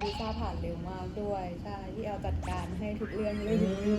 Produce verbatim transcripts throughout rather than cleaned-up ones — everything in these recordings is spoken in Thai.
วีซ่าผ่านเร็วมากด้วยใช่ที่แอลจัดการให้ทุกเรื่องเลย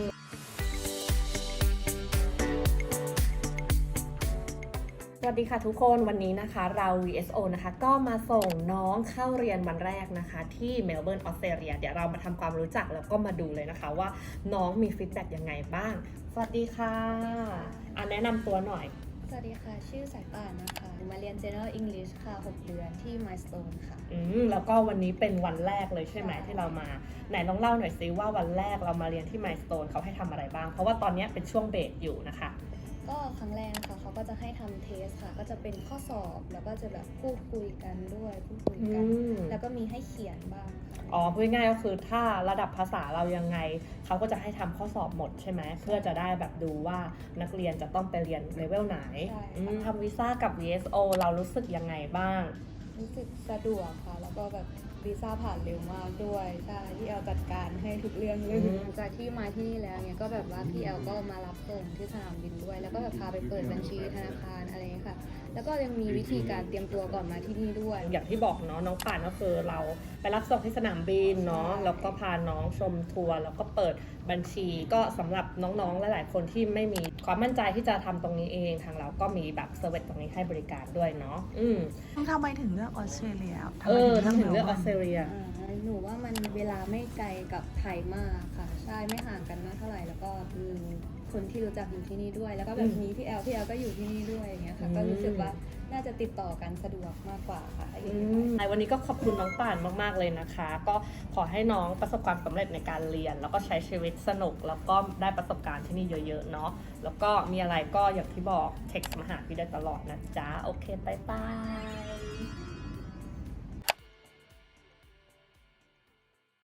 สวัสดีค่ะทุกคนวันนี้นะคะเรา วี เอส โอ นะคะก็มาส่งน้องเข้าเรียนวันแรกนะคะที่เมลเบิร์นออสเตรเลียเดี๋ยวเรามาทำความรู้จักแล้วก็มาดูเลยนะคะว่าน้องมีฟีดแบ็กยังไงบ้างสวัสดีค่ะอ่ะแนะนำตัวหน่อยสวัสดีค่ะชื่อสายป่านนะคะมาเรียน General English ค่ะหกเดือนที่ Milestone ค่ะอืมแล้วก็วันนี้เป็นวันแรกเลยใช่ไหมที่เรามาไหนลองเล่าหน่อยซิว่าวันแรกเรามาเรียนที่ Milestone เขาให้ทำอะไรบ้างเพราะว่าตอนนี้เป็นช่วงเบรกอยู่นะคะก็ครั้งแรกนะคะเขาก็จะให้ทำเทสค่ะก็จะเป็นข้อสอบแล้วก็จะแบบพูดคุยกันด้วยพูดคุยกันแล้วก็มีให้เขียนบ้างค่ะอ๋อพูดง่ายๆก็คือถ้าระดับภาษาเรายังไงเขาก็จะให้ทำข้อสอบหมดใช่ไหมเพื่อจะได้แบบดูว่านักเรียนจะต้องไปเรียนเลเวลไหนทำวีซ่ากับ วี เอส โอ เรารู้สึกยังไงบ้างรู้สึกสะดวกค่ะแล้วก็แบบวีซ่าผ่านเร็วมากด้วยใช่ที่แอลจัดการให้ทุกเรื่องเลยหลังจากที่มาที่นี่แล้วเนี่ยก็แบบว่าพี่แอลก็มารับส่งที่สนามบินด้วยแล้วก็แบบพาไปเปิดบัญชีธนาคารอะไรอย่างเงี้ยค่ะแล้วก็ยังมีวิธีการเตรียมตัวก่อนมาที่นี่ด้วยอย่างที่บอกเนาะน้องป่านก็คือเราไปรับส่งที่สนามบินเนาะแล้วก็พาน้องชมทัวร์แล้วก็เปิดบัญชีก็สำหรับน้องๆหลายๆคนที่ไม่มีความมั่นใจที่จะทำตรงนี้เองทางเราก็มีแบบเซอร์วิสตรงนี้ให้บริการด้วยเนาะอืมทำไมถึงเลือกออสเตรเลียเออทำไมถึงเลือกออสเตรเลียหนูว่ามันเวลาไม่ไกลกับไทยมากค่ะใช่ไม่ห่างกันมากเท่าไหร่แล้วก็มีคนที่รู้จักอยู่ที่นี่ด้วยแล้วก็แบบมีพี่แอลพี่แอลก็อยู่ที่นี่ด้วยอย่างเงี้ยค่ะก็รู้สึกว่าน่าจะติดต่อกันสะดวกมากกว่าค่ะในวันนี้ก็ขอบคุณน้องป่านมากๆเลยนะคะก็ขอให้น้องประสบความสำเร็จในการเรียนแล้วก็ใช้ชีวิตสนุกแล้วก็ได้ประสบการณ์ที่นี่เยอะๆเนาะแล้วก็มีอะไรก็อย่างที่บอกเท็กซ์มาหาพี่ได้ตลอดนะจ๊ะโอเคบ๊ายบาย